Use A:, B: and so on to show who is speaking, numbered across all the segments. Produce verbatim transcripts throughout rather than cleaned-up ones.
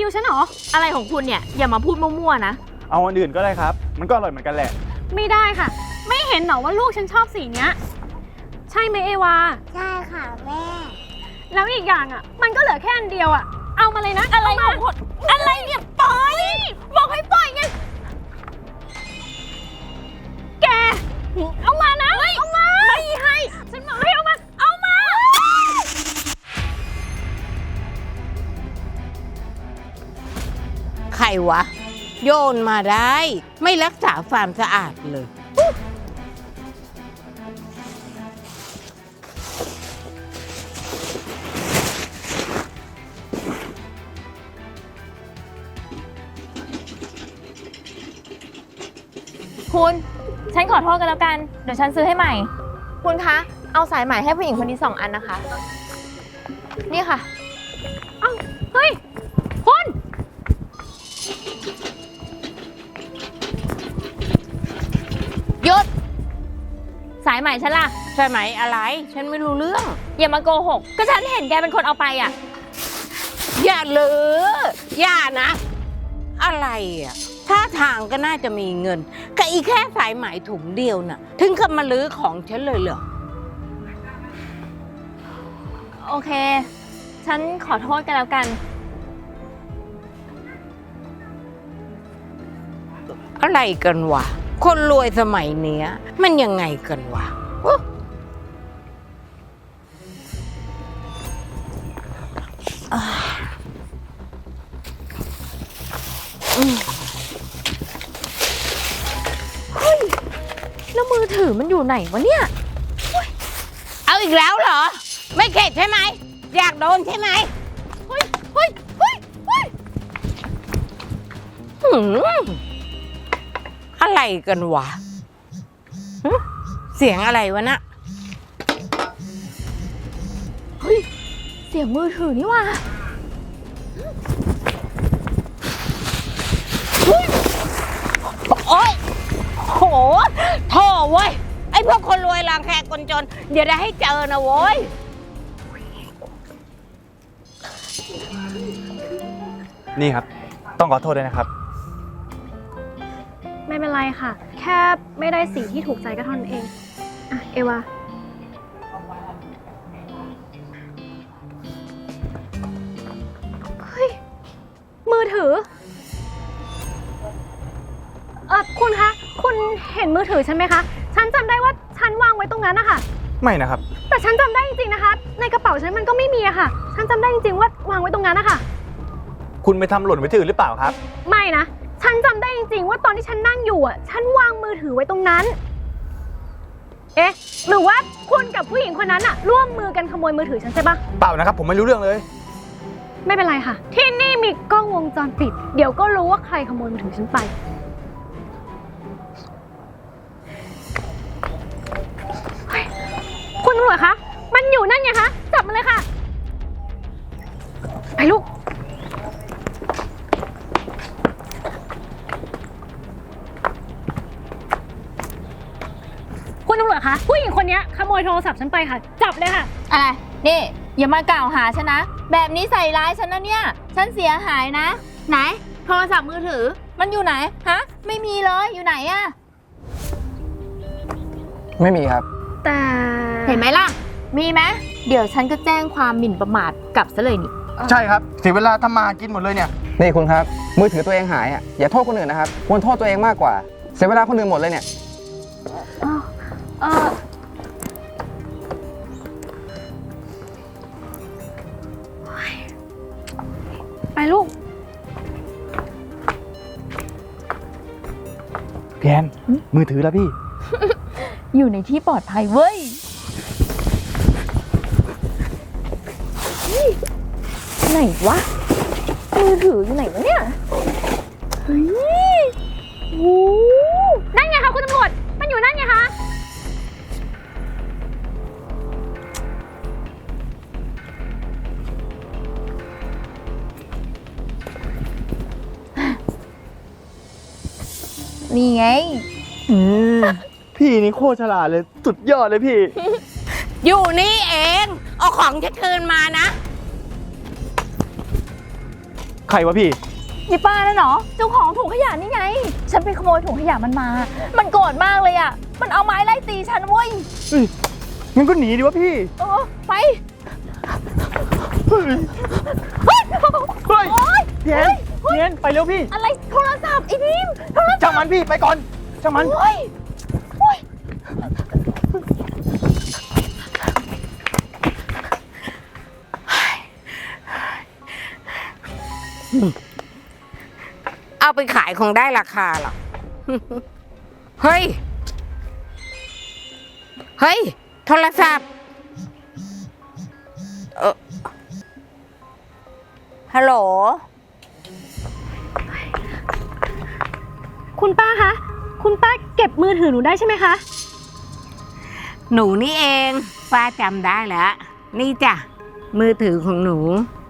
A: วฉันเหรออะไรของคุณเนี่ยอย่ามาพูดมั่วๆนะ
B: เอาอันอื่นก็ได้ครับมันก็อร่อยเหมือนกันแหละ
A: ไม่ได้ค่ะไม่เห็นเหรอว่าลูกฉันชอบสีเนี้ยใช่ไหมเอวา
C: ใช่ค่ะแม่
A: แล้วอีกอย่างอ่ะมันก็เหลือแค่อันเดียวอ่ะเอามาเลยนะอะไรของคุณอะไรเนี่ยปล่อยบอกให้ปล่อยไงแกเอามานะเอามาไม่ให้ฉันบอกให้เอามาเอามา
D: ใครวะโยนมาได้ไม่รักษาความสะอาดเลย
E: คุณฉันขอโทษกันแล้วกันเดี๋ยวฉันซื้อให้ใหม่คุณคะเอาสายใหม่ให้ผู้หญิงคนนี้สองอันนะคะนี่ค่ะ
A: เอ้าเฮ้ยคุณ
E: หยุดสายใหม่ฉันล่ะ
D: ใช่ไหมอะไรฉันไม่รู้เรื่อง
E: อย่ามาโกหกก็ฉันเห็นแกเป็นคนเอาไปอ่ะ
D: อย่าลืออย่านะอะไรอ่ะท่าทางก็น่าจะมีเงินกับอีแค่สายไหมถุงเดียวน่ะถึงกับมาลื้อของฉันเลยเหรอ
E: โอเคฉันขอโทษกันแล้วกัน
D: อะไรกันวะคนรวยสมัยเนี้ยมันยังไงกันวะ
E: เฮ้ยแล้วมือถือมันอยู่ไหนวะเนี่ย
D: เอาอีกแล้วเหรอไม่เข็ดใช่ไหมอยากโดนใช่ไหม
E: เฮ้ยเฮ้ยเฮ้ยเฮ้ย
D: อะไรกันวะเสียงอะไรวะนะ
E: เฮ้ยเสียงมือถือนี่ว่ะ
D: โอ๊ยโหโถ่เว้ยไอ้พวกคนรวยรังแคคนจนเดี๋ยวได้ให้เจอนะโว้ย
B: นี่ครับต้องขอโทษด้วยนะครับ
A: ไม่เป็นไรค่ะแค่ไม่ได้สีที่ถูกใจก็เท่านั้นเองอ่ะเอวาเฮ้ยมือถือเออคุณคะคุณเห็นมือถือฉันไหมคะฉันจำได้ว่าฉันวางไว้ตรงนั้นนะคะ
B: ไม่นะครับ
A: แต่ฉันจำได้จริงๆนะคะในกระเป๋าฉันมันก็ไม่มีอะค่ะฉันจำได้จริงๆว่าวางไว้ตรงนั้นนะคะ
B: คุณไปทำหล่นไว้ที่อื่นหรือเปล่าครับ
A: ไม่นะฉันจำได้จริงๆว่าตอนที่ฉันนั่งอยู่อ่ะฉันวางมือถือไว้ตรงนั้นเอ๊ะหรือว่าคุณกับผู้หญิงคนนั้นอ่ะร่วมมือกันขโมยมือถือฉันใช่ปะ
B: เปล่านะครับผมไม่รู้เรื่องเลย
A: ไม่เป็นไรค่ะที่นี่มีกล้องวงจรปิดเดี๋ยวก็รู้ว่าใครขโมยมือถือฉันไปคุณตำรวจคะมันอยู่นั่นไงคะจับมันเลยค่ะไปลูกคุณตำรวจคะผู้หญิงคนนี้ขโมยโทรศัพท์ฉันไปค่ะจับเลยค่ะ
E: อะไรนี่อย่ามากล่าวหาฉันนะแบบนี้ใส่ร้ายฉันนะเนี่ยฉันเสียหายนะไหนโทรศัพท์มือถือมันอยู่ไหนฮะไม่มีเลยอยู่ไหนอะ
B: ไม่มีครับ
A: แต่
E: เห็นไหมล่ะมีไหมเดี๋ยวฉันก็แจ้งความหมิ่นประมาทกลับซะเลยนี่
B: ใช่ครับเสียเวลาทำมากินหมดเลยเนี่ย
F: นี่คุณครับมือถือตัวเองหายอ่ะอย่าโทษคนอื่นนะครับควรโทษตัวเองมากกว่าเสียเวลาคนอื่นหมดเลยเนี่ย
A: เออไปลูก
B: พี่แอนมือถือแล้วพี่
E: อยู่ในที่ปลอดภัยเว้ยไหนวะมือถืออยู่ไหนวะเนี่ยเฮ้ยโอ้
A: นั่นไงคะคุณตำรวจมันอยู่นั่นไงคะ
E: นี่ไง
B: อืมพี่นี่โคตรฉลาดเลยสุดยอดเลยพี่
D: อยู่นี่เองเอาของฉันคืนมานะ
B: ใครวะพี่
E: ยายป้านั่นเหรอ เจ้าของถุงขยะนี่ไง ฉันไปขโมยถุงขยะมันมา มันโกรธมากเลยอ่ะ มันเอาไม้ไล่ตีฉันเว้ย
B: เฮ้ยงั้นก็หนีดิวะพี่
E: เออ ไป
B: เฮ้ย
E: เฮ้ย
B: เฮ้ย
E: โอ๊ย
B: พี่แอนพี่แอนไปเร็วพี่
E: อะไรโทรศัพท์ไอ้ดิมโทรศัพท์
B: ช่างมันพี่ไปก่อนช่างมัน
E: โอ้ยโอ้ย
D: เอาไปขายคงได้ราคาหรอก เฮ้ย เฮ้ย โทรศัพท์ เออฮัลโหล
A: คุณป้าคะ คุณป้าเก็บมือถือหนูได้ใช่ไหมคะ
D: หนูนี่เองป้าจำได้แล้ว นี่จ้ะ มือถือของหนู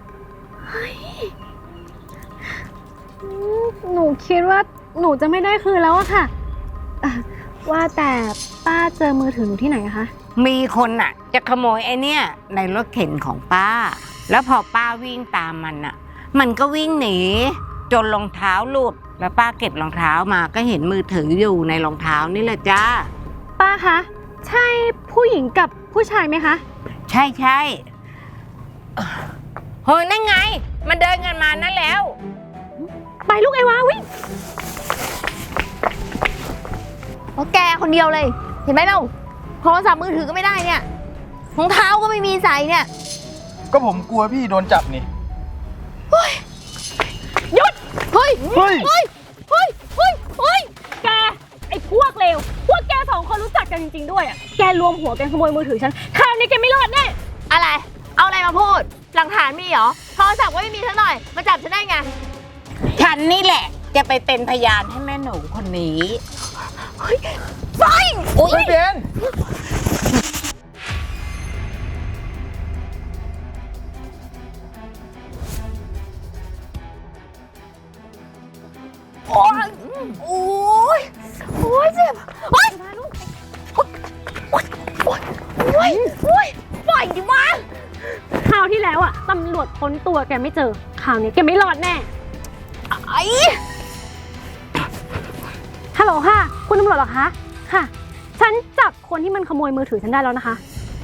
A: หนูคิดว่าหนูจะไม่ได้คืนแล้วอะค่ะเอ่อว่าแต่ป้าเจอมือถือหนูที่ไหนอะคะ
D: มีคนน่ะ จะขโมยไอ้เนี่ย ในรถเข็นของป้า แล้วพอป้าวิ่งตามมันน่ะ มันก็วิ่งหนี จนรองเท้าหลุด แล้วป้าเก็บรองเท้ามาก็เห็นมือถืออยู่ในรองเท้านี่แหละจ้า
A: ป้าคะ ใช่ผู้หญิงกับผู้ชายไหมคะ
D: ใช่ใช่เฮ้ยนั่นไง มันเดินกันมานั่นแล้ว
A: ไปลูกไอ้วาวิ่ง
E: เพราะแกคนเดียวเลย เห็นไหมเราโทรศัพท์มือถือก็ไม่ได้เนี่ยรองเท้าก็ไม่มีใส่เนี่ย
B: ก็ผมกลัวพี่โดนจับนี่
A: หยุด
E: เฮ้ย
B: เฮ้ย
E: เฮ้ย เฮ้ย เฮ้ย เฮ้ย
A: แก ไอ้พวกเลว พวกแกสองคนรู้จักกันจริงๆด้วยอะแกรวมหัวกันขโมยมือถือฉัน คราวนี้แกไม่รอดแน่
E: อะไร เอาอะไรมาพูด หลักฐานมีเหรอ โทรศัพท์ก็ไม่มีสักหน่อย มาจับฉันได้ไง
D: ฉันนี่แหละ จะไปเป็นพยานให้แม่หนูคนนี้
E: ไป
B: โอ้ยพี่แอน
E: โอ้ยโอ้ยโอ้ยเจ็บโอ้ยโอ้ยโอ้ยโอ้ยโอ้ยโอ้ยปล่อยดิวะ
A: คราวที่แล้วอะตำรวจค้นตัวแกไม่เจอ คราวนี้แกไม่รอดแน่
E: ไอ้
A: ฮัลโหลค่ะ คุณตำรวจเหรอคะ ค่ะ ฉันจับคนที่มันขโมยมือถือฉันได้แล้วนะคะ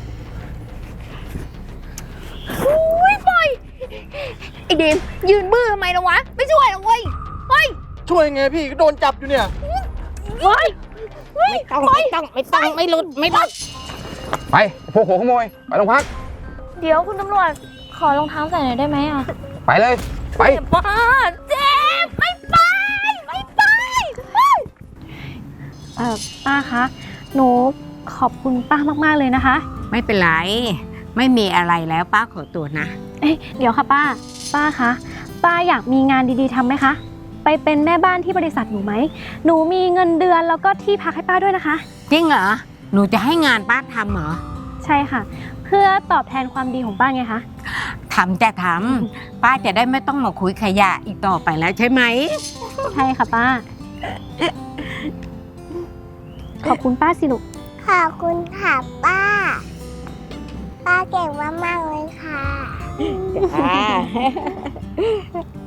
E: โอ้ยปล่อยไอ้เดมยืนบื้อทำไมล่ะวะ ไม่ช่วยหรอกเว้ยเฮ้ย
B: ช่วยไงพี่ก็โดนจับอยู่เนี่ย
A: เฮ้ย
D: ไม่ต้องไม่ต้องไม่ต้องไม่หลุดไม่หลุด
F: ไปพวกหัวขโมย ไปโรงพัก
E: เดี๋ยวคุณตำรวจขอรองเท้าใส่หน่อยได้ไหมอ่ะ
F: ไปเลย ไป
E: เจ็บป้าเจ็บไม่ไปไม่ไปเฮ้ย
A: เอ่อ ป้าคะ หนูขอบคุณป้ามากๆเลยนะคะ
D: ไม่เป็นไร ไม่มีอะไรแล้วป้าขอตัวนะ
A: เอ๊ะเดี๋ยวค่ะป้า ป้าคะ ป้าอยากมีงานดีๆทำไหมคะ ไปเป็นแม่บ้านที่บริษัทหนูไหม หนูมีเงินเดือนแล้วก็ที่พักให้ป้าด้วยนะคะ
D: จริงเหรอ หนูจะให้งานป้าทำเหรอ
A: ใช่ค่ะ เพื่อตอบแทนความดีของป้าไงคะ
D: ทำจะทำป้าจะได้ไม่ต้องมาคุยขยะอีกต่อไปแล้วใช่ไหม
A: ใช่ค่ะป้า ขอบคุณป้าสิลูก
C: ขอบคุณค่ะป้า ป้าเก่งมากๆเลยค่ะ
D: จ้า